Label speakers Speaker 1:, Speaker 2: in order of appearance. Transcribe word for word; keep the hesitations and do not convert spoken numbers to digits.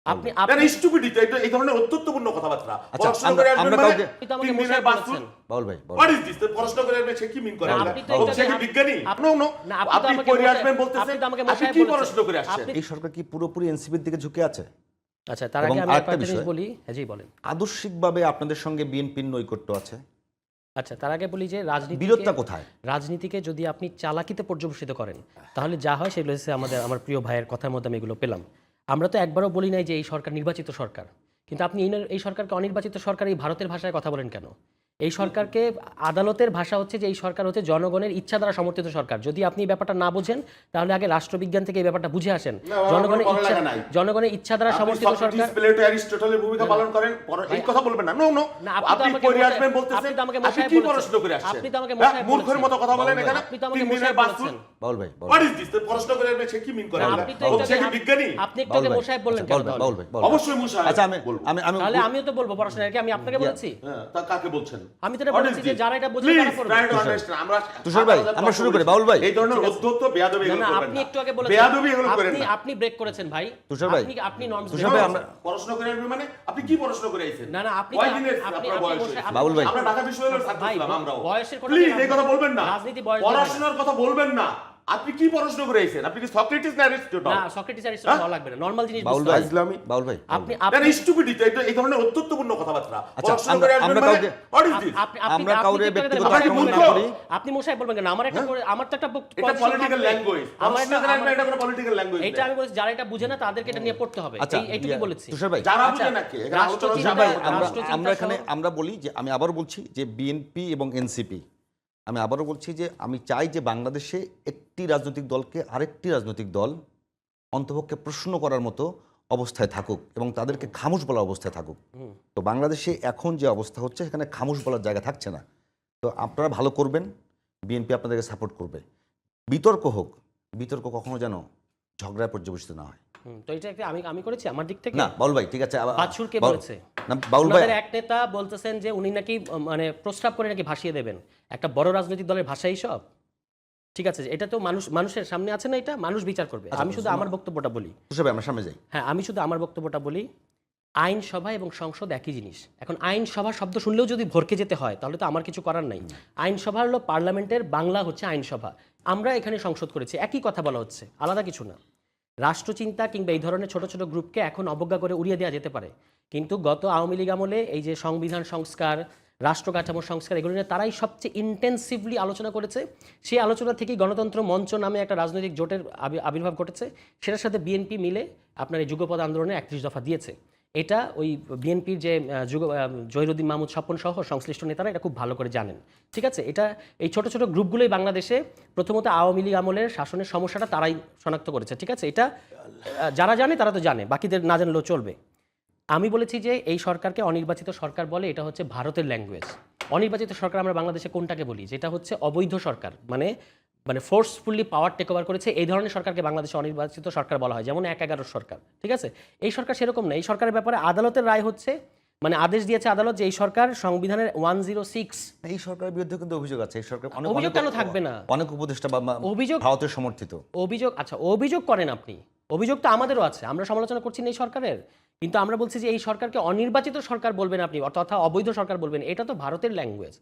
Speaker 1: আপনি আপনি স্টুপিডিটি এটা এই ধরনের অত্যন্তপূর্ণ কথাবার্তা প্রশ্ন করে আসবেন মানে তিন দিনের বাস্তুল
Speaker 2: বাউল ভাই
Speaker 1: হোয়াট ইজ দিস প্রশ্ন করে আসবে সে কি মিন করে ও সে কি বিজ্ঞানী নো নো আপনি পড়ে আসবেন বলতেছেন আপনি কি প্রশ্ন করে আসছেন
Speaker 2: এই সরকার কি পুরোপুরি এনসিপির দিকে ঝুঁকে আছে?
Speaker 3: আচ্ছা, তার আগে আমি একটা জিনিস বলি। হ্যাঁ জি বলেন।
Speaker 2: আদর্শিকভাবে আপনাদের সঙ্গে বিএনপির নৈকট্য আছে।
Speaker 3: আচ্ছা, তার আগে বলি যে রাজনীতি
Speaker 2: বিরোধটা কোথায়?
Speaker 3: রাজনীতিকে যদি আপনি চালাকিতে পর্যবেসিত করেন তাহলে যা হয় সেগুলো হচ্ছে আমাদের আমার প্রিয় ভাইয়ের কথার মধ্যে আমি এগুলো পেলাম। আমরা তো একবারও বলি নাই যে এই সরকার নির্বাচিত সরকার, কিন্তু আপনি এই সরকারকে অনির্বাচিত সরকার এই ভারতের ভাষায় কথা বলেন কেন? এই সরকারকে আদালতের ভাষা হচ্ছে যে এই সরকার হচ্ছে জনগণের ইচ্ছা দ্বারা সমর্থিত সরকার। যদি আপনি এই ব্যাপারটা না বুঝেন তাহলে আগে রাষ্ট্রবিজ্ঞান থেকে এই ব্যাপারটা বুঝে আসেন। জনগণের ইচ্ছা জনগণের ইচ্ছা দ্বারা সমর্থিত সরকার
Speaker 1: প্লেটো অ্যারিস্টটলের ভূমিকা পালন করেন এই কথা বলবেন না। নো নো আপনি পড়ে আসবেন বলতেছেন আপনি কি প্রশ্ন করে আসছেন?
Speaker 3: আপনি তো আমাকে মশাই
Speaker 1: মূর্খের মতো কথা বলেন এখানে।
Speaker 3: আপনি তো আমাকে মশাই বলছেন
Speaker 2: বাউল ভাই
Speaker 1: হোয়াট ইজ দিস প্রশ্ন করে আসবে সে কি মিন করে ও সে কি বিজ্ঞানী?
Speaker 3: আপনি একটু আগে মশাই বললেন কেন?
Speaker 2: বাউল ভাই
Speaker 1: অবশ্যই মশাই।
Speaker 2: আচ্ছা আমি আমি আমি
Speaker 3: তাহলে আমিও তো বলবো পড়াশোনা কি আমি আপনাকে বলেছি?
Speaker 1: হ্যাঁ তা কাকে বলছেন?
Speaker 3: আমি তো এটা বলেছি যে যারা এটা বোঝে তারা পড়বে।
Speaker 1: আমরা
Speaker 2: তুষার ভাই আমরা শুরু করি। বাউল ভাই
Speaker 1: এই ধরনের অধ্যত্ত বেয়াদবি এগুলো করবেন না।
Speaker 3: আপনি একটু আগে বলেছেন
Speaker 1: বেয়াদবি এগুলো করেন
Speaker 3: আপনি
Speaker 1: না।
Speaker 3: আপনি ব্রেক করেছেন ভাই।
Speaker 2: তুষার ভাই
Speaker 3: আপনি আপনি নর্মস
Speaker 2: তুষার ভাই আমরা
Speaker 1: প্রশ্ন করে আসবেন মানে আপনি কি প্রশ্ন করে আইছেন?
Speaker 3: না না আপনি
Speaker 1: কয় দিনের
Speaker 3: আপনি
Speaker 1: আপনার বয়স হয়েছে?
Speaker 2: বাউল ভাই
Speaker 1: আমরা ঢাকা বিশ্ববিদ্যালয়ের ছাত্র
Speaker 3: ভাই,
Speaker 1: ছিলাম আমরাও।
Speaker 3: বয়সের কথা
Speaker 1: প্লিজ
Speaker 3: বলবেন
Speaker 1: এই কথা বলবেন না।
Speaker 3: রাজনীতি বয়স
Speaker 1: পড়াশোনার কথা বলবেন না। আপনি কি প্রশ্ন করে আইছেন? আপনি কি সক্রেটিস না অ্যারিস্টটল?
Speaker 3: না সক্রেটিস অ্যারিস্টটল হওয়া লাগবে না, নরমাল জিনিস
Speaker 2: বাউল
Speaker 3: বুঝতে
Speaker 2: ভাই
Speaker 3: হবে।
Speaker 1: ইসলামী
Speaker 2: বাউল ভাই
Speaker 3: আপনি
Speaker 1: এটা
Speaker 3: আপনি
Speaker 1: স্টুপিডিটি এটা এই ধরনের অত্যন্তপূর্ণ কথাবার্তা
Speaker 2: আচ্ছা,
Speaker 1: প্রশ্ন করে আসবেন
Speaker 2: আমরা
Speaker 1: মানে
Speaker 2: কাউকে-
Speaker 1: হোয়াট ইজ দিস?
Speaker 3: আপনি আপনি
Speaker 2: আমরা
Speaker 3: আপনি
Speaker 2: কাউরে
Speaker 3: কি করে
Speaker 2: ব্যক্তিগত
Speaker 3: দেবেন?
Speaker 1: আক্রমণ
Speaker 3: আপনি
Speaker 1: না
Speaker 2: করি।
Speaker 3: আপনি মশাই বলবেন কেন? আমার একটা করে- আমার তো একটা বক্তব্য
Speaker 1: এটা
Speaker 3: আছে,
Speaker 1: পলিটিক্যাল ল্যাঙ্গুয়েজ
Speaker 3: আমার
Speaker 1: প্রশ্ন
Speaker 3: একটা-
Speaker 1: করে আসবেন
Speaker 3: আমার-
Speaker 1: এটা কোনো পলিটিক্যাল ল্যাঙ্গুয়েজ
Speaker 3: এটা আমি বলছি যারা এটা বুঝে না তাদেরকে এটা নিয়ে পড়তে হবে।
Speaker 2: আচ্ছা,
Speaker 3: এই এইটুকুই
Speaker 2: ইয়া,
Speaker 3: বলেছি।
Speaker 2: তুষার ভাই
Speaker 1: যারা
Speaker 3: আচ্ছা,
Speaker 1: বুঝে নাকি এখানে আলোচনা
Speaker 3: রাষ্ট্রচিন্তা-
Speaker 1: সবাই
Speaker 2: আমরা
Speaker 3: রাষ্ট্রচিন্তা
Speaker 2: আমরা এখানে
Speaker 3: সহ-
Speaker 2: আমরা বলি যে আমি আবারও বলছি যে বিএনপি এবং এনসিপি আমি আবারও বলছি যে আমি চাই যে বাংলাদেশে একটি রাজনৈতিক দলকে আরেকটি রাজনৈতিক দল অন্তপক্ষে প্রশ্ন করার মতো অবস্থায় থাকুক এবং তাদেরকে খামোশ বলার অবস্থায় থাকুক। তো বাংলাদেশে এখন যে অবস্থা হচ্ছে সেখানে খামোশ বলার জায়গা থাকছে না। তো আপনারা ভালো করবেন, বিএনপি আপনাদেরকে সাপোর্ট করবে। বিতর্ক হোক, বিতর্ক কখনো যেন ঝগড়ায় পর্যবেসিত না হয়।
Speaker 3: হুম, তো এটা একটা আমি আমি করেছি আমার দিক থেকে।
Speaker 2: না বাউল ভাই ঠিক আছে। আবার-
Speaker 3: বাছুর কে
Speaker 2: বাউল-
Speaker 3: বলেছে?
Speaker 2: না বাউল ভাই
Speaker 3: আমাদের এক নেতা বলতেছেন যে উনি নাকি আহ, মানে প্রস্তাব করে নাকি ভাসিয়ে দেবেন। একটা বড় রাজনৈতিক দলের ভাষাই সব। ঠিক আছে, এটা তো মানুষ মানুষের সামনে আছে না, এটা মানুষ বিচার করবে। আমি শুধু আমার বক্তব্যটা বলি।
Speaker 2: তুষার ভাই আমরা সামনে যাই।
Speaker 3: হ্যাঁ, আমি শুধু আমার বক্তব্যটা বলি। আইনসভা এবং সংসদ একই জিনিস। এখন আইনসভা শব্দ শুনলেও যদি ভরকে যেতে হয় তাহলে তো আমার কিছু করার নাই। আইনসভা হলো পার্লামেন্টের বাংলা হচ্ছে আইনসভা। আমরা এখানে সংসদ করেছি, একই কথা বলা হচ্ছে, আলাদা কিছু না। রাষ্ট্রচিন্তা কিংবা এই ধরনের ছোট ছোট গ্রুপকে এখন অবজ্ঞা করে উড়িয়ে দেওয়া যেতে পারে, কিন্তু গত আওয়ামী লীগ আমলে এই যে সংবিধান সংস্কার, রাষ্ট্র কাঠামো সংস্কার, এগুলো নিয়ে তারাই সবচেয়ে ইন্টেন্সিভলি আলোচনা করেছে। সেই আলোচনা থেকেই গণতন্ত্র মঞ্চ নামে একটা রাজনৈতিক জোটের আবি- আবির্ভাব ঘটেছে। সেটার সাথে বিএনপি মিলে আপনার এই যুগপৎ আন্দোলনে একত্রিশ দফা দিয়েছে। এটা ওই বিএনপির যে আহ, যুগ আহ, জহিরুদ্দিন মাহমুদ স্বপন সহ সংশ্লিষ্ট নেতারা এটা খুব ভালো করে জানেন। ঠিক আছে, এটা এই ছোট ছোট গ্রুপগুলোই বাংলাদেশে প্রথমত আওয়ামী লীগ আমলের শাসনের সমস্যাটা তারাই শনাক্ত করেছে। ঠিক আছে, এটা আহ, যারা জানে তারা তো জানে, বাকিদের না জানলেও চলবে। আমি বলেছি যে এই সরকারকে অনির্বাচিত সরকার বলে, এটা হচ্ছে ভারতের ল্যাঙ্গুয়েজ। অনির্বাচিত সরকার আমরা বাংলাদেশে কোনটাকে বলি? যেটা হচ্ছে অবৈধ সরকার, মানে মানে ফোর্সফুলি পাওয়ার টেক ওভার করেছে, এই ধরনের সরকারকে বাংলাদেশে অনির্বাচিত সরকার বলা হয়, যেমন এক এগারোর সরকার। ঠিক আছে, এই সরকার সেরকম না। এই সরকারের ব্যাপারে আদালতের রায় হচ্ছে, মানে আদেশ দিয়েছে আদালত যে এই সরকার সংবিধানের ওয়ান জিরো সিক্স।
Speaker 2: এই সরকারের বিরুদ্ধে কিন্তু অভিযোগ আছে। এই সরকার অনেক
Speaker 3: অভিযোগ
Speaker 2: অনেক-
Speaker 3: কেন থাকবে না?
Speaker 2: অনেক উপদেষ্টা বা বা
Speaker 3: অভিযোগ-
Speaker 2: ভারতের সমর্থিত
Speaker 3: অভিযোগ, আচ্ছা অভিযোগ করেন আপনি, অভিযোগ তো আমাদেরও আছে, আমরা সমালোচনা করছি না এই সরকারের, কিন্তু আমরা বলছি যে এই সরকারকে অনির্বাচিত সরকার বলবেন আপনি, তথা অবৈধ সরকার বলবেন, এটা তো ভারতের ল্যাঙ্গুয়েজ।